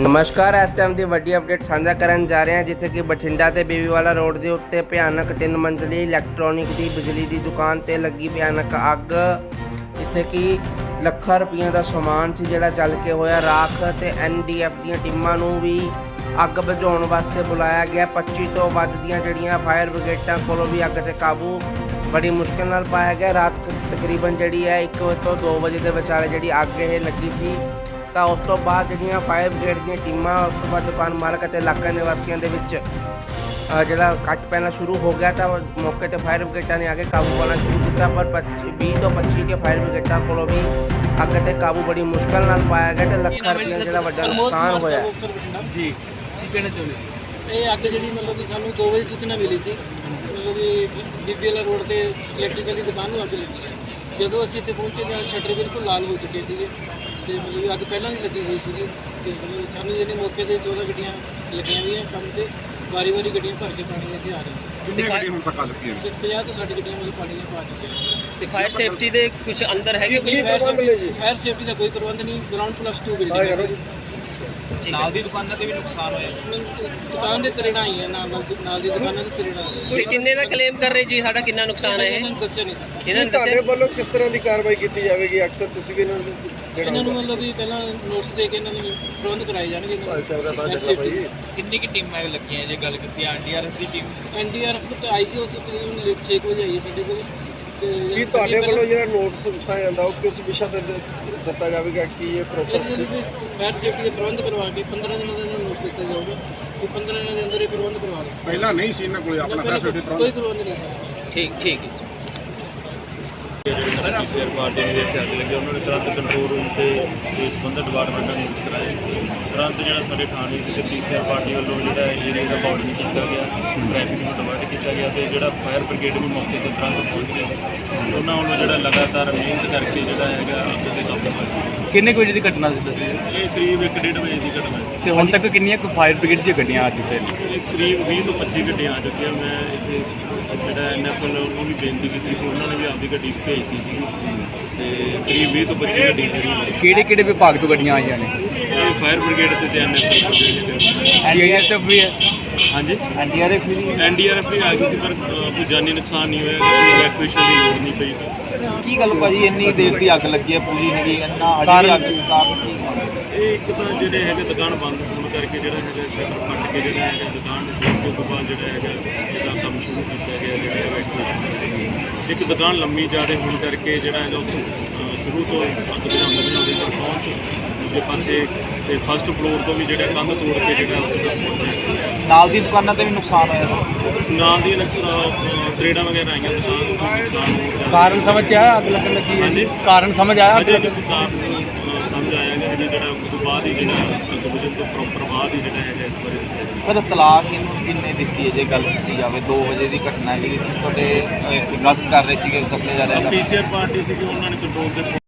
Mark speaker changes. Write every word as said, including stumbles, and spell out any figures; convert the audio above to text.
Speaker 1: ਨਮਸਕਾਰ। ਇਸ ਟਾਈਮ ਦੀ ਵੱਡੀ ਅਪਡੇਟ ਸਾਂਝਾ ਕਰਨ ਜਾ ਰਹੇ ਹਾਂ, ਜਿੱਥੇ ਕਿ ਬਠਿੰਡਾ ਤੇ ਬੀਬੀਵਾਲਾ ਰੋਡ ਦੇ ਉੱਤੇ ਭਿਆਨਕ ਤਿੰਨ ਮੰਜ਼ਲੀ ਇਲੈਕਟ੍ਰੋਨਿਕ ਦੀ ਬਿਜਲੀ ਦੀ ਦੁਕਾਨ ਤੇ ਲੱਗੀ ਭਿਆਨਕ ਅੱਗ, ਜਿੱਥੇ ਕਿ ਲੱਖਾਂ ਰੁਪਈਆਂ ਦਾ ਸਮਾਨ ਸੀ ਜਿਹੜਾ ਜਲ ਕੇ ਹੋਇਆ ਰਾਖ। ਤੇ ਐਨ ਡੀ ਐਫ ਦੀਆਂ ਟੀਮਾਂ ਨੂੰ ਵੀ ਅੱਗ ਬੁਝਾਉਣ ਵਾਸਤੇ ਬੁਲਾਇਆ ਗਿਆ। ਪੱਚੀ ਤੋਂ ਵੱਧ ਦੀਆਂ ਜਿਹੜੀਆਂ ਫਾਇਰ ਬ੍ਰਿਗੇਡਾਂ ਕੋਲੋਂ ਵੀ ਅੱਗ ਤੇ ਕਾਬੂ ਬੜੀ ਮੁਸ਼ਕਿਲ ਨਾਲ ਪਾਇਆ ਗਿਆ। ਰਾਤ ਤਕਰੀਬਨ ਜਿਹੜੀ ਹੈ ਇੱਕ ਵਜੇ ਤੋਂ ਦੋ ਵਜੇ ਦੇ ਵਿਚਾਲੇ ਜਿਹੜੀ ਅੱਗ ਇਹ ਲੱਗੀ ਸੀ। ਤਾਂ ਉਸ ਤੋਂ ਬਾਅਦ ਜਿਹੜੀਆਂ ਫਾਇਰ ਬ੍ਰਿਗੇਡ ਦੀਆਂ ਟੀਮਾਂ, ਉਸ ਤੋਂ ਬਾਅਦ ਦੁਕਾਨ ਮਾਲਕ ਅਤੇ ਇਲਾਕਾ ਨਿਵਾਸੀਆਂ ਦੇ ਵਿੱਚ ਜਿਹੜਾ ਕੱਟ ਪੈਣਾ ਸ਼ੁਰੂ ਹੋ ਗਿਆ, ਤਾਂ ਮੌਕੇ 'ਤੇ ਫਾਇਰ ਬ੍ਰਿਗੇਡਾਂ ਨੇ ਆ ਕੇ ਕਾਬੂ ਪਾਉਣਾ ਸ਼ੁਰੂ ਕੀਤਾ। ਪਰ ਪੱਚੀ ਵੀਹ ਤੋਂ ਪੱਚੀ ਦੇ ਫਾਇਰ ਬ੍ਰਿਗੇਡਾਂ ਕੋਲੋਂ ਵੀ ਅੱਗ 'ਤੇ ਕਾਬੂ ਬੜੀ ਮੁਸ਼ਕਿਲ ਨਾਲ ਪਾਇਆ ਗਿਆ ਤੇ ਲੱਖਾਂ ਰੁਪਏ ਜਿਹੜਾ ਵੱਡਾ ਨੁਕਸਾਨ ਹੋਇਆ।
Speaker 2: ਜੀ ਕੀ ਕਹਿਣਾ ਚਾਹੁੰਦੇ? ਇਹ ਅੱਗ ਜਿਹੜੀ ਮਤਲਬ ਕਿ ਸਾਨੂੰ ਦੋ ਵਜੇ ਸੂਚਨਾ ਮਿਲੀ ਸੀ, ਮਤਲਬ ਕਿ ਬੀਬੀਵਾਲਾ ਰੋਡ ਤੇ ਇਲੈਕਟ੍ਰੀਕਲ ਦੀ ਦੁਕਾਨ ਨੂੰ ਅੱਗ ਲੱਗੀ ਹੈ। ਜਦੋਂ ਅਸੀਂ ਇੱਥੇ ਪਹੁੰਚੇ ਤਾਂ ਸ਼ਟਰ ਬਿਲਕੁਲ ਲਾਲ ਹੋ ਚੁੱਕੇ ਸੀਗੇ ਤੇ ਮਤਲਬ ਅੱਗ ਪਹਿਲਾਂ ਵੀ ਲੱਗੀ ਹੋਈ ਸੀਗੀ। ਤੇ ਮਤਲਬ ਸਾਨੂੰ ਜਿਹੜੇ ਮੌਕੇ ਤੇ ਚੌਦਾਂ ਗੱਡੀਆਂ ਲੱਗੀਆਂ ਹੋਈਆਂ ਕੰਮ ਤੇ, ਵਾਰੀ ਵਾਰੀ ਗੱਡੀਆਂ ਭਰ ਕੇ ਪਾਣੀ ਇੱਥੇ ਆ ਰਹੀਆਂ।
Speaker 3: ਕਿੰਨੀ ਗੱਡੀ ਹੁਣ ਤੱਕ ਆ ਚੁੱਕੀ ਹੈ?
Speaker 2: ਪੰਜਾਹ ਤੋਂ ਸੱਠ ਗੱਡੀਆਂ ਮਤਲਬ ਪਾਣੀ ਪਾ ਚੁੱਕੀਆਂ।
Speaker 4: ਤੇ ਫਾਇਰ ਸੇਫਟੀ ਦੇ ਕੁਝ ਅੰਦਰ ਹੈ ਕਿ
Speaker 2: ਫਾਇਰ ਸੇਫਟੀ ਦਾ ਕੋਈ ਪ੍ਰਬੰਧ ਨਹੀਂ। ਗਰਾਊਂਡ ਪਲੱਸ ਟੂ ਬਿਲਡਿੰਗ
Speaker 3: ਨਾਲ ਦੀ ਦੁਕਾਨਾਂ ਤੇ ਵੀ ਨੁਕਸਾਨ ਹੋਇਆ।
Speaker 2: ਦੁਕਾਨ ਦੇ ਤਰੇੜਾਂ ਆਈਆਂ, ਨਾਲ ਨਾਲ ਦੀ ਦੁਕਾਨਾਂ ਦੇ ਤਰੇੜਾਂ ਆਈਆਂ।
Speaker 4: ਤੁਸੀਂ ਕਿੰਨੇ ਦਾ ਕਲੇਮ ਕਰ ਰਹੇ ਜੀ ਸਾਡਾ ਕਿੰਨਾ ਨੁਕਸਾਨ ਹੈ?
Speaker 2: ਇਹਨਾਂ ਨੂੰ ਦੱਸਿਆ ਨਹੀਂ ਸਕਦਾ।
Speaker 4: ਇਹਨਾਂ ਨੇ
Speaker 5: ਤੁਹਾਡੇ
Speaker 4: ਦੱਸਿਆ
Speaker 5: ਵੱਲੋਂ ਕਿਸ ਤਰ੍ਹਾਂ ਦੀ ਕਾਰਵਾਈ ਕੀਤੀ ਜਾਵੇਗੀ? ਅਕਸਰ ਤੁਸੀਂ ਵੀ ਇਹਨਾਂ ਨੂੰ
Speaker 2: ਇਹਨਾਂ ਨੂੰ ਮਤਲਬ ਵੀ ਪਹਿਲਾਂ ਨੋਟਿਸ ਦੇ ਕੇ ਇਹਨਾਂ ਨੂੰ ਪ੍ਰਬੰਧ ਕਰਾਏ ਜਾਣਗੇ। ਫਾਇਰ ਸੇਫਟੀ
Speaker 3: ਕਿੰਨੀ ਕਿ ਟੀਮਾਂ ਲੱਗੀਆਂ ਜੇ ਗੱਲ ਕੀਤੀ? ਐਨ ਡੀ ਆਰ ਐਫ ਦੀ team
Speaker 2: N D R F ਤੇ ਆਈ ਸੀ ਉਹ ਤਕਰੀਬਨ ਛੇ ਕੁ ਵਜੇ ਆਈ ਹੈ ਸਾਡੇ ਕੋਲ।
Speaker 5: ਕੀ ਤੁਹਾਡੇ ਵੱਲੋਂ ਜਿਹੜਾ ਨੋਟਿਸ ਦਿੱਤਾ ਜਾਂਦਾ ਉਹ ਕਿਸ ਵਿਸ਼ਾ ਤੇ ਦਿੱਤਾ ਜਾਵੇਗਾ ਕਿ ਇਹ ਪ੍ਰੋਪਰ
Speaker 2: ਫਾਇਰ ਸੇਫਟੀ ਦੇ ਪ੍ਰਬੰਧ ਕਰਵਾ ਕੇ ਪੰਦਰਾਂ ਦਿਨਾਂ ਦਾ ਨੋਟਿਸ ਦਿੱਤਾ ਜਾਊਗਾ ਕਿ ਪੰਦਰਾਂ ਦਿਨਾਂ ਦੇ ਅੰਦਰ ਇਹ ਪ੍ਰਬੰਧ ਕਰਵਾ ਲਓ।
Speaker 3: ਪਹਿਲਾਂ ਨਹੀਂ ਸੀ ਇਹਨਾਂ ਕੋਲ ਆਪਣਾ ਫਾਇਰ ਸੇਫਟੀ
Speaker 2: ਕੋਈ ਪ੍ਰਬੰਧ ਨਹੀਂ ਸੀ।
Speaker 4: ਠੀਕ ਠੀਕ ਹੈ।
Speaker 6: ਜਿਹੜੇ ਪੀਸੀਆਰ ਪਾਰਟੀ ਦੇ ਇੱਥੇ ਅੱਗ ਲੱਗੇ, ਉਹਨਾਂ ਨੇ ਤੁਰੰਤ ਕੰਟਰੋਲ ਰੂਮ ਤੇ ਤੇ ਸੰਬੰਧਿਤ ਡਿਪਾਰਟਮੈਂਟਾਂ ਨੂੰ ਕਰਾਏ। ਤੁਰੰਤ ਜਿਹੜਾ ਸਾਡੇ ਥਾਣੇ ਤੇ ਪੀਸੀਆਰ ਪਾਰਟੀ ਵੱਲੋਂ ਜਿਹੜਾ ਏਰੀਆ ਦਾ ਬਾਰਡਰਿੰਗ ਕੀਤਾ ਗਿਆ, ਟ੍ਰੈਫਿਕ ਨੂੰ ਡਿਵਰਟ ਕੀਤਾ ਗਿਆ ਤੇ ਜਿਹੜਾ ਫਾਇਰ ਬ੍ਰਿਗੇਡ ਵੀ ਮੌਕੇ ਤੇ ਤੁਰੰਤ ਪਹੁੰਚ ਗਿਆ ਸੀ। ਉਹਨਾਂ ਵੱਲੋਂ ਜਿਹੜਾ ਲਗਾਤਾਰ ਮਿਹਨਤ ਕਰਕੇ ਜਿਹੜਾ ਹੈਗਾ ਅੱਗ ਤੇ ਕਾਬੂ ਪਾਇਆ।
Speaker 7: ਕਿੰਨੇ ਕੁ ਵਜੇ ਦੀ ਘਟਨਾ ਸੀ ਦੱਸੀ?
Speaker 6: ਇਹ ਕਰੀਬ ਇੱਕ ਡੇਢ ਵਜੇ ਦੀ ਘਟਨਾ ਹੈ
Speaker 7: ਤੇ ਹੁਣ ਤੱਕ ਕਿੰਨੀਆਂ ਕੁ ਫਾਇਰ ਬ੍ਰਿਗੇਡ ਦੀਆਂ ਗੱਡੀਆਂ ਆ ਚੁੱਕੀਆਂ ਨੇ?
Speaker 6: ਇਹ ਕਰੀਬ ਵੀਹ ਤੋਂ ਪੱਚੀ ਗੱਡੀਆਂ ਆ ਚੁੱਕੀਆਂ। ਮੈਂ ਇੱਥੇ ਜਿਹੜਾ ਐਨ ਐਫ ਐਲ ਉਹਨੂੰ ਵੀ ਬੇਨਤੀ ਕੀਤੀ ਸੀ, ਉਹਨਾਂ ਨੇ ਵੀ ਆਪਦੀ ਗੱਡੀ ਭੇਜਤੀ ਸੀ ਤੇ ਕਰੀਬ ਵੀਹ ਤੋਂ ਪੱਚੀ ਗੱਡੀ ਜਿਹੜੀ
Speaker 7: ਕਿਹੜੇ ਕਿਹੜੇ ਵਿਭਾਗ ਤੋਂ ਗੱਡੀਆਂ ਆਈਆਂ ਨੇ?
Speaker 6: ਇਹ ਫਾਇਰ ਬ੍ਰਿਗੇਡ ਤੇ N F L
Speaker 7: N D R F ਵੀ ਹੈ?
Speaker 6: ਹਾਂਜੀ
Speaker 7: ਐਨ ਡੀ ਆਰ ਐਫ ਵੀ
Speaker 6: ਐਨ ਡੀ ਆਰ ਐਫ ਵੀ ਆ ਗਈ ਸੀ, ਪਰ ਅ, ਕੋਈ ਜਾਨੀ ਨੁਕਸਾਨ ਨਹੀਂ ਹੋਇਆ, ਕੋਈ ਇਵੈਕੂਏਸ਼ਨ ਦੀ ਲੋੜ ਨਹੀਂ ਪਈ।
Speaker 5: ਕੀ ਗੱਲ ਭਾਜੀ ਇੰਨੀ ਦੇਰ ਦੀ ਅੱਗ ਲੱਗੀ ਹੈ, ਪੂਰੀ ਨਹੀਂ ਇੰਨਾ ਅਜੇ ਅੱਗ ਕਾਰਨ ਕੀ?
Speaker 6: ਇਹ ਇੱਕ ਤਾਂ ਜਿਹੜੇ ਹੈਗੇ ਦੁਕਾਨ ਬੰਦ ਹੋਣ ਕਰਕੇ ਜਿਹੜਾ ਹੈਗਾ ਸ਼ਟਰ ਫਟ ਕੇ ਜਿਹੜਾ ਹੈਗਾ ਦੁਕਾਨ ਦੇ ਤੋਂ ਬਾਅਦ ਜਿਹੜਾ ਹੈਗਾ ਇਹਦਾ ਕੰਮ ਸ਼ੁਰੂ ਕੀਤਾ ਗਿਆ, ਜਿਹੜਾ ਇਵੈਕੂਏਸ਼ਨ। ਇੱਕ ਦੁਕਾਨ ਲੰਮੀ ਜ਼ਿਆਦਾ ਹੋਣ ਕਰਕੇ ਜਿਹੜਾ ਹੈਗਾ ਉੱਥੋਂ ਅ, ਸ਼ੁਰੂ ਤੋਂ ਅੱਗ ਬੁਝਾਉਂਦੇ ਬੁਝਾਉਂਦੇ ਤੱਕ ਪਹੁੰਚ ਦੂਜੇ ਪਾਸੇ ਤੇ ਫਸਟ ਫਲੋਰ ਤੋਂ ਵੀ ਜਿਹੜਾ ਕੰਧ ਤੋੜ ਕੇ ਜਿਹੜਾ ਉੱਥੇ ਤੱਕ ਪਹੁੰਚਿਆ।
Speaker 5: ਨਾਲ ਦੀ ਦੁਕਾਨਾਂ ਤੇ ਵੀ ਨੁਕਸਾਨ ਹੋਇਆ?
Speaker 6: ਨਾਲ ਦੀ ਨੁਕਸਾਨ ਤਰੇੜਾਂ ਵਗੈਰਾ ਆਈਆਂ, ਦੁਕਾਨ ਨੂੰ ਨੁਕਸਾਨ ਹੋਰ ਜ਼ਿਆਦਾ।
Speaker 7: ਕਾਰਨ ਸਮਝ ਆਇਆ ਅੱਗ ਲੱਗਣ ਲੱਗੀ ਹੈ?
Speaker 6: ਹਾਂਜੀ।
Speaker 7: ਕਾਰਨ ਸਮਝ ਆਇਆ?
Speaker 6: ਅਜੇ ਵੀ ਕਾਰਨ ਅ, ਸਮਝ ਆਇਆ ਕਿ ਹਜੇ ਜਿਹੜਾ ਉਸ ਤੋਂ ਬਾਅਦ ਹੀ ਜਿਹੜਾ ਅੱਗ ਬੁਝਣ ਤੋਂ ਪ੍ਰੋਪਰ ਬਾਅਦ ਹੀ ਜਿਹੜਾ ਹੈਗਾ ਇਸ ਬਾਰੇ ਦੱਸਿਆ ਜਾਊਗਾ।
Speaker 5: ਸਰ ਤਲਾਕ ਇਹਨੂੰ ਕਿੰਨੇ ਦਿੱਤੀ ਹੈ ਜੇ ਗੱਲ ਕੀਤੀ ਜਾਵੇ? ਦੋ ਵਜੇ ਦੀ ਘਟਨਾ ਹੈ, ਤੁਹਾਡੇ ਗਸ਼ਤ ਕਰ ਰਹੇ ਸੀਗੇ ਦੱਸਿਆ ਜਾ ਰਿਹਾ।
Speaker 6: ਪੀਸੀਆਰ ਪਾਰਟੀ ਸੀ ਕਿ ਉਹਨਾਂ ਨੇ ਕੰਟਰੋਲ ਦੇ